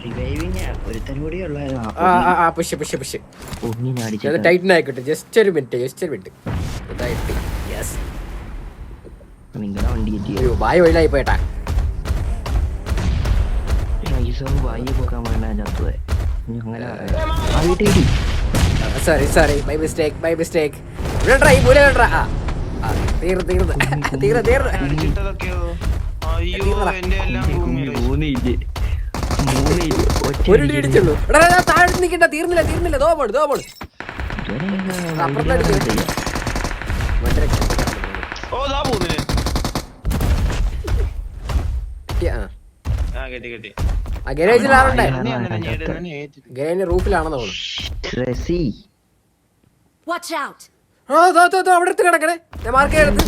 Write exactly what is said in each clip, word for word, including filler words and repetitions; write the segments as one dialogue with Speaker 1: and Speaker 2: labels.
Speaker 1: Just ഒരു minute just ഒരു minute
Speaker 2: നിങ്ങളുടെ വണ്ടി
Speaker 1: വായ വഴിയിലായി പോയിട്ടാ
Speaker 2: വായി പോക്കാൻ വേണ്ട ചത്തുവേ അങ്ങനെ
Speaker 1: sorry sorry by mistake by mistake തീർന്ന് തീർന്ന് തീർന്ന് തീർന്ന് ഒരു ഇടിച്ചുള്ളൂ താഴെ നിൽക്കണ്ട തീർന്നില്ല തീർന്നില്ല ദോ പോണ് ദോ പോണ് ഗരേജിൽ ആളുണ്ടേ ഗരേജിന്റെ റൂഫിലാണെന്ന് തോന്നുന്നു അവിടെ എടുത്ത് കിടക്കണേ ഞാൻ മാർക്ക് എടുത്ത്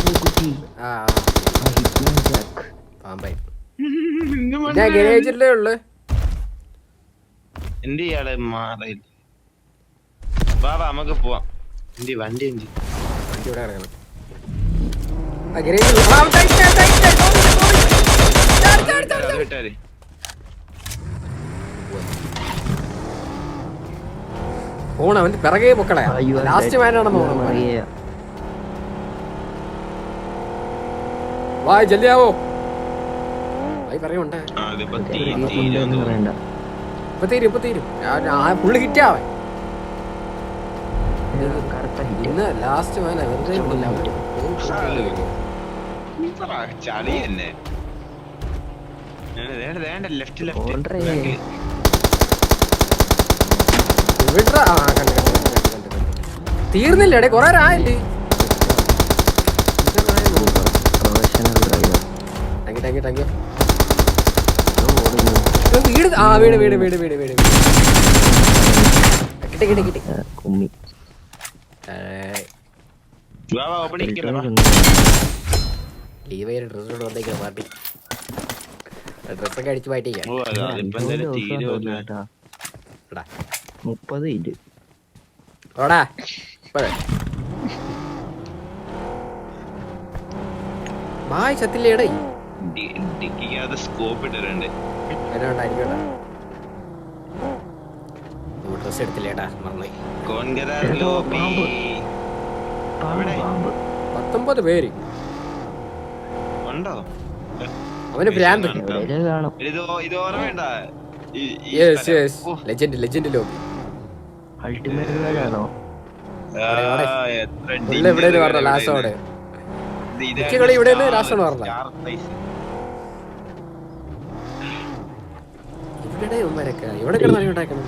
Speaker 1: പാമ്പായി ഞാൻ ഗരേജിലേ ഉള്ളു
Speaker 3: എന്ത് ചെയ്യാളെ മാറി വാ വാ നമുക്ക് പോവാം എന്തി വണ്ടി എന്തി
Speaker 1: വണ്ടി ഇവിടെ കിടക്കണം ആ ഗരേജിൽ പോണ അവന്റെ പിറകെ പൊക്കളെ ലാസ്റ്റ് മാനാണെന്ന് തോന്നുന്നു വാ ജല്ദിയാവോ ഭായി പറയുണ്ടേ ഇപ്പൊ തീരും ഇപ്പൊ തീരും ഫുള്ള് ഹിറ്റാവേ ഇന്ന് ലാസ്റ്റ് മാനാ വെറുതെ
Speaker 3: ചളി തന്നെ ലെഫ്റ്റ് ലെഫ്റ്റ്
Speaker 1: തീർന്നില്ലേ കൊറേ ആയില്ലേ വീട് ആ വീട് വീട് വീട് വീട് വീട് കിട്ടി കിട്ടി കിട്ടി
Speaker 2: കുമ്മി
Speaker 1: ലീവ് ചെയ്ത ഡ്രസ്സോട് വന്നേക്കാം പാർട്ടി ഡ്രസ്സൊക്കെ അടിച്ച് മാറ്റിക്കാം
Speaker 2: മുപ്പത് ഇല്ല
Speaker 1: ഓടാ ബായ് ചത്തില്ലേടേ
Speaker 3: സ്കോപ്പ് ഇട്ടിട്ടുണ്ട്
Speaker 1: ഡ്രസ് എടുത്തില്ലേടാ മറന്നായി പത്തൊമ്പത് പേര്
Speaker 3: ഉണ്ടോ
Speaker 1: അവന് ഭ്രാന്ത് ലെജൻഡ് ലെജൻഡ് ലോബി ഇവിടെ പറഞ്ഞ ലാസ്റ്റോടെ കളി ഇവിടെ ലാസ്റ്റോട് പറഞ്ഞ ഇവിടെ ഒന്നരക്ക ഇവിടെ കിടന്നു ഉണ്ടാക്കണം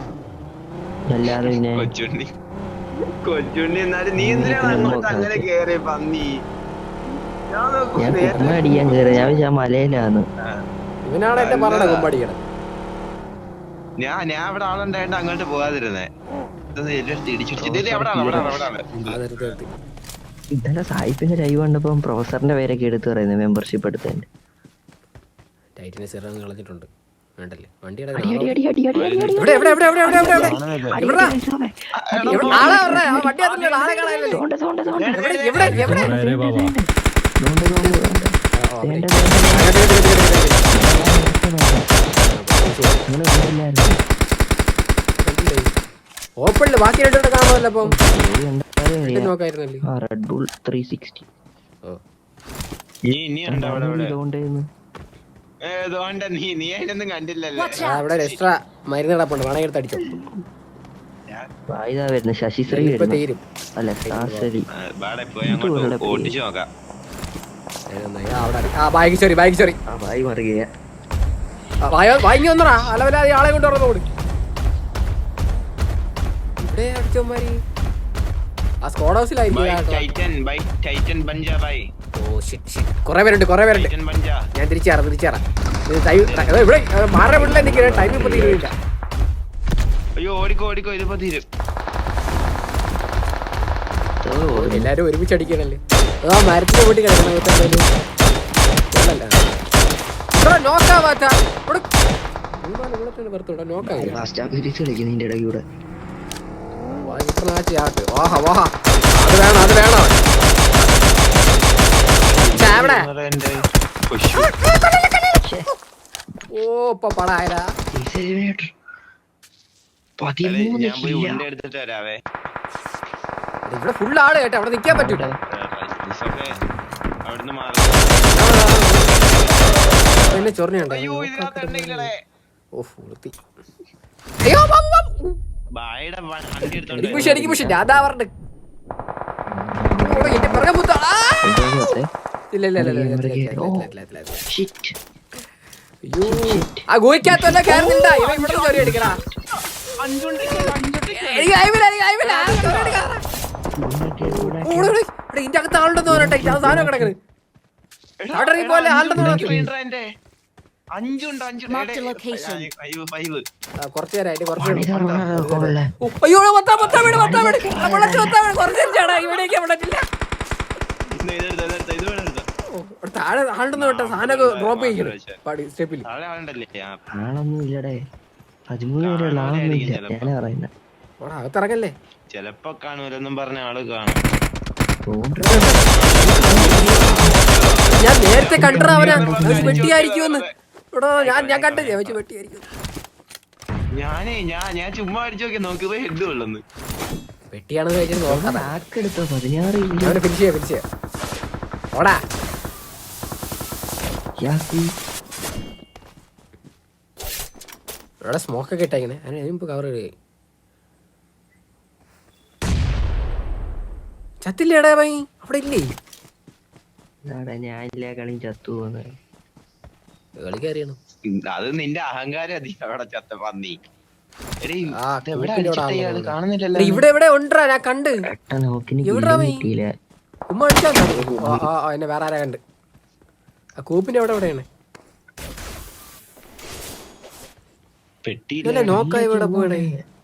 Speaker 3: കൊച്ചുണ്ണി കൊച്ചുണ്ണി എന്നാലും നീ എന്തിനാണ് അങ്ങനെ കേറി പന്നി
Speaker 2: അടിക്കാൻ കേറി ഞാൻ മലയിലാണ്
Speaker 1: ഇവനാണ് എന്റെ പറഞ്ഞ കൊമ്പടിക്കണം
Speaker 3: ഞാൻ ഞാൻ ഇവിടെ ആളുണ്ടായിട്ട് അങ്ങോട്ട് പോകാതിരുന്നേ
Speaker 2: ഇന്നലെ സായിപ്പിന്റെ ലൈവ് കണ്ടപ്പോ പ്രൊഫസറിന്റെ പേരൊക്കെ എടുത്ത് പറയുന്നത് മെമ്പർഷിപ്പ് എടുത്തതിന്റെ
Speaker 1: കളഞ്ഞിട്ടുണ്ട് വേണ്ടല്ലേ ഓപ്പണില് ബാക്കി രണ്ടു കാണുമല്ലോ അപ്പം നോക്കായിരുന്നല്ലേ
Speaker 2: റെഡ് ബുൾ ത്രീ സിക്സ്റ്റി
Speaker 1: അവിടെ എക്സ്ട്രാ മരുന്ന് കിടപ്പുണ്ട് വേണമെങ്കിൽ എടുത്ത് അടിച്ചോ
Speaker 2: വരുന്ന ശശിശ്രീ
Speaker 1: തീരും
Speaker 2: അല്ല
Speaker 1: ബാഗ് സോറി ബാഗ് സോറി
Speaker 2: ബായി മറിയ
Speaker 1: വാങ്ങി വന്നടാ അലവലാതെ ആളെ കൊണ്ട് തുറന്നു കൊടുക്കും ഇവിടെ അടിച്ചോമാരി ആ സ്ക്വാഡ് ഹൗസിലായിരിക്കും കൊറേ പേരുണ്ട് കൊറേ പേരുണ്ട് ഞാൻ തിരിച്ചാറാം തിരിച്ചാറാം ഇവിടെ മാറ വീട്ടിലെ നിൽക്കുന്ന ടൈം ഇപ്പൊ തീരുന്നില്ല
Speaker 3: അയ്യോ ഓടിക്കോ ഓടിക്കോ ഇതിപ്പോ തീരും
Speaker 1: എല്ലാരും ഒരുമിച്ച് അടിക്കണല്ലേ ആ മരത്തിന്റെ വീട്ടിൽ കിടക്കണം നോക്കാവാത്ത നോക്കായി വാഹ വാഹ അത് വേണം അത് വേണം ഓ ഇപ്പൊ പടായരാ
Speaker 2: പതിമൂന്ന്
Speaker 3: ഞാൻ പോയി ഉണ്ട എടുത്തിട്ട് വരാവേ.
Speaker 1: ഇവിടെ ഫുൾ ആള് കേട്ടോ, അവിടെ നിക്കാൻ പറ്റൂല.
Speaker 3: അവിടുന്ന് മാറി.
Speaker 1: എന്നെ ചൊറിഞ്ഞുണ്ടോ?
Speaker 3: അയ്യോ ഇതിനകത്തുണ്ടെങ്കിലേ
Speaker 1: ഓഫ് വൃത്തി. അയ്യോ ബാബു ബാബു.
Speaker 3: ബായുടെ വണ്ടി എടുത്തോണ്ട്
Speaker 1: എനിക്ക് പുഷ് എനിക്ക് പുഷ് ഞാൻ പറഞ്ഞ എന്റെ പിറകെ പുത്ത. ഇല്ല ഇല്ല ഇല്ല ഇല്ല. അയ്യോ ആ ഗോയിക്കകത്തല്ല കയറുന്നില്ല. ഇവ ഇവിടെ ചൊറി എടുക്കടാ. എനിക്ക് ആയില്ല എനിക്ക് ആയില്ല. ഇതിന്റെ അകത്ത് ആളുണ്ടെന്ന് തോന്നട്ടെ. സാധനം കിടക്കണ് അവിടെ ഇറങ്ങി പോലെ ആളുണ്ടെന്ന് തോന്നട്ടെ. കുറച്ചു നേരം അയ്യോ പത്താ പത്താ വീട് പത്താ വീട് മുളച്ച് പത്താ വീട് കുറച്ച് ചേട്ടാ ഇവിടേക്ക് വിടത്തില്ല. താഴെ ആളുണ്ടെന്ന് കേട്ടോ. സാധനമൊക്കെ ഡ്രോപ്പ് ചെയ്യിക്കണം സ്റ്റെപ്പിൽ.
Speaker 2: ആളൊന്നും ഇല്ലടേ. പതിമൂന്ന് പേരുള്ള ആളൊന്നും ഇല്ല. ഞാനാ പറയുന്നത്.
Speaker 1: അവിടെ അകത്തിറങ്ങല്ലേ.
Speaker 3: ചെലപ്പോ കാണൂലെന്നും പറഞ്ഞ ആള് കാണും.
Speaker 1: ഞാൻ നേരത്തെ കണ്ടറ അവനെ വെട്ടിയായിരിക്കുമെന്ന്. ഇവിടെ ഞാൻ ഞാൻ കണ്ടു വെച്ച് വെട്ടിയായിരിക്കും.
Speaker 3: ഞാനേ ഞാൻ ഞാൻ ചുമ്മാ അടിച്ചു നോക്കി നോക്കിയപ്പോ ഹെഡ് കൊള്ളുന്നു.
Speaker 1: വെട്ടിയാണെന്ന് വെച്ചിട്ട് നോക്കാം.
Speaker 2: ആക്കെടുത്തോ പതിനാറ്
Speaker 1: ഫിനിഷ് ചെയ്യാം ഫിനിഷ് ചെയ്യാം. ഓടാ ഇവിടെ സ്മോക്കൊക്കെ ഇട്ടേക്കണേ. അതിന് കവർ ഇടുക. ചത്തില്ലേടാ ഭൈ അവിടെ ഇല്ലേ?
Speaker 2: ഞാനില്ല കളി ചത്തു പോകുന്നത്.
Speaker 1: കളിക്കറിയണം.
Speaker 3: അത് നിന്റെ അഹങ്കാരം അധികം അവിടെ ചത്ത പന്നി.
Speaker 1: കാണുന്നില്ലല്ലോ. ഇവിടെ എവിടെ ഉണ്ടാ ഞാൻ കണ്ട്. ഉമ്മ അടിച്ചാ എന്നെ വേറെ ആരാ കണ്ട്. ആ കൂപ്പിന്റെ എവിടെ എവിടെയാണ് പെട്ടിയില്ലേ? നോക്കാ ഇവിടെ പോയടേ.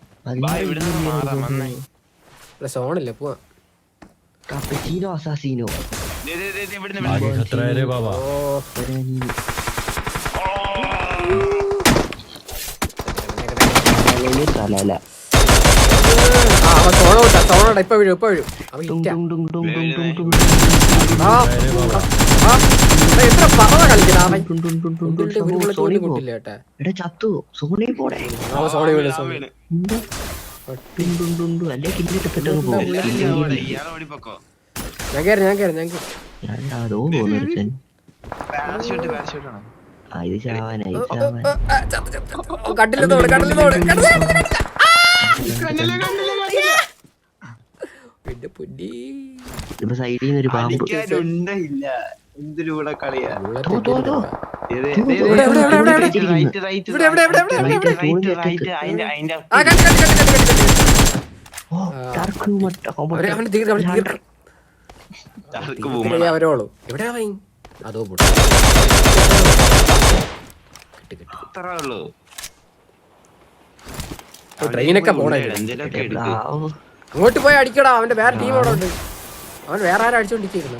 Speaker 1: ഇവിടെ സോണില്ല പോവാ.
Speaker 2: Cappuccino assassino.
Speaker 1: ഇപ്പൊ വീഴും ഇപ്പൊ വീഴും. എത്ര പറവ കളിക്കണ
Speaker 2: ചത്തു സോണി പോടെ.
Speaker 1: സോണി വീണ് സോണി ഞാൻ കയറി ഞാൻ കയറി ഞാൻ കട്ടിലത്തോട് കട്ടിലത്തോട് പിന്നെ പൊടി
Speaker 2: സൈഡിൽ നിന്ന് ഒരു പാമ്പ്.
Speaker 3: എന്തിലൂടെ കളിയാ
Speaker 1: അവരോളൂ എവിടെയാ അതോ ട്രെയിനൊക്കെ പോണേ. അങ്ങോട്ട് പോയി അടിക്കടാ. അവന്റെ വേറെ ടീം അവിടെ ഉണ്ട്. അവൻ വേറെ ആരും അടിച്ചോണ്ടിരിക്കുന്നു.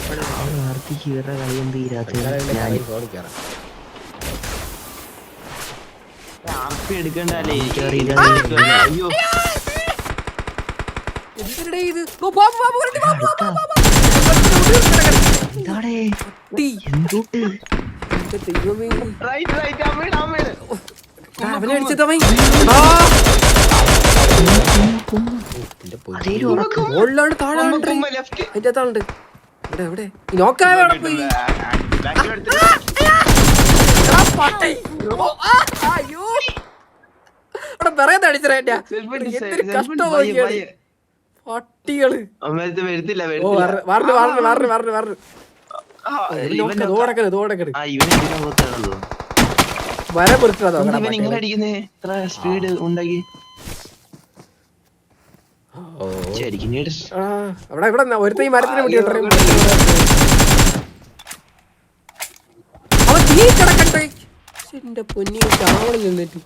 Speaker 1: അവനെ അടിച്ചത് മുകളിലാണ് താഴെ അതിന്റെ അകത്താളുണ്ട്. ഇവിടെ എവിടെ നോക്കാതെ പോയി. അയ്യോ അവിടെ പറയാത്ത അടിച്ചേ. എന്തൊരു കഷ്ടം നോക്കിയാണ് പട്ടികള്. പറഞ്ഞു പറഞ്ഞു പറഞ്ഞു പറഞ്ഞു പറഞ്ഞു തോടക്കണ് തോടക്കണ് വര പൊറുത്തതോ
Speaker 3: സ്പീഡ് ഉണ്ടാക്കി.
Speaker 1: അവിടെ ഇവിടെ ഒരുത്ത ഈ മരത്തിന് മുട്ടി അവൻ തീ കിടക്കട്ടെ. എന്റെ പൊന്നി ചാവളി നിന്നിട്ട്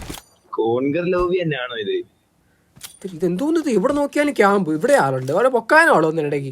Speaker 3: ഇത്
Speaker 1: ഇതെന്തോന്നത്? ഇവിടെ നോക്കിയാലും ക്യാമ്പ്. ഇവിടെ ആളുണ്ട്. അവിടെ പൊക്കാനോ ആളോ ഒന്നിനിടയ്ക്ക്.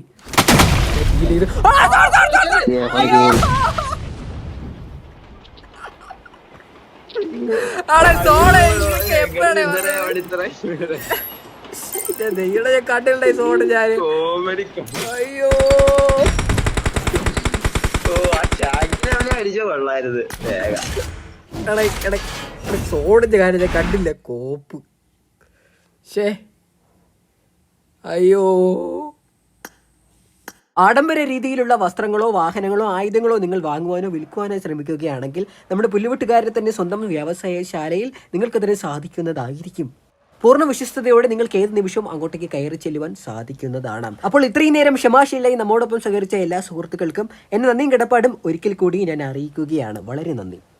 Speaker 1: കാട്ടിലുണ്ടായി സോണ് ഞാൻ. അയ്യോ
Speaker 3: അടിച്ച കൊള്ളായിരുന്നു.
Speaker 1: സോണിന്റെ കാര്യം ഞാൻ കണ്ടില്ല. കോപ്പ് ഷേ അയ്യോ. ആഡംബര രീതിയിലുള്ള വസ്ത്രങ്ങളോ വാഹനങ്ങളോ ആയുധങ്ങളോ നിങ്ങൾ വാങ്ങുവാനോ വിൽക്കുവാനോ ശ്രമിക്കുകയാണെങ്കിൽ നമ്മുടെ പുല്ലുവെട്ടുകാരുടെ തന്നെ സ്വന്തം വ്യവസായശാലയിൽ നിങ്ങൾക്കതിന് സാധിക്കുന്നതായിരിക്കും. പൂർണ്ണ വിശ്വസ്തയോടെ നിങ്ങൾക്ക് ഏത് നിമിഷവും അങ്ങോട്ടേക്ക് കയറി ചെല്ലുവാൻ സാധിക്കുന്നതാണ്. അപ്പോൾ ഇത്രയും നേരം ക്ഷമാശീലായി നമ്മോടൊപ്പം സഹകരിച്ച എല്ലാ സുഹൃത്തുക്കൾക്കും എന്നെ നന്ദിയും കിടപ്പാടും ഒരിക്കൽ കൂടി ഞാൻ അറിയിക്കുകയാണ്. വളരെ നന്ദി.